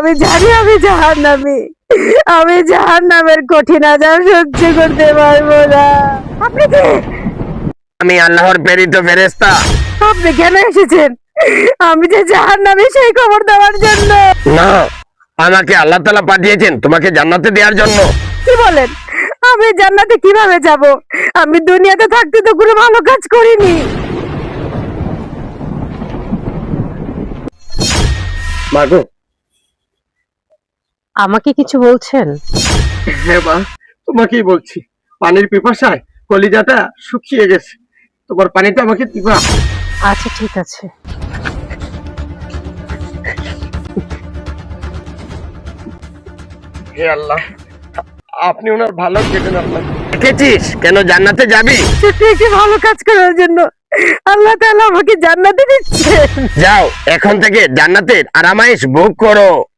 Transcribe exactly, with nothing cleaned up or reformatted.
আমি জানি আমি জাহান্নামী, আমি জাহান্নামের কঠিন আযাব সহ্য করতে পারবো না। আপনি কে? আমি আল্লাহর প্রেরিত ফেরেশতা। আপনি কেন এসেছেন? আমি যে জাহান্নামী সেই খবর দেওয়ার জন্য। না, আমাকে আল্লাহ তাআলা পাঠিয়েছেন তোমাকে জান্নাতে দেওয়ার জন্য। কি বলেন? আমি জান্নাতে কিভাবে যাব? আমি দুনিয়াতে থাকতে তো কোনো ভালো কাজ করিনি। মাগো, আমাকে কিছু বলছেন? হ্যাঁ মা, তোমাকেই বলছি। পানির পিপাসায় কলিজাটা শুকিয়ে গেছে, তোমার পানিটা আমাকে দিবা? আচ্ছা ঠিক আছে। হে আল্লাহ, আপনি ওনার ভালো কেটেন। আল্লাহ, দেখেছিস কেন জান্নাতে যাবি? ছোট্ট একটি ভালো কাজ করার জন্য আল্লাহ তাআলা আমাকে জান্নাতে দিচ্ছেন। যাও, এখন থেকে জান্নাতের আরামাইশ ভোগ করো।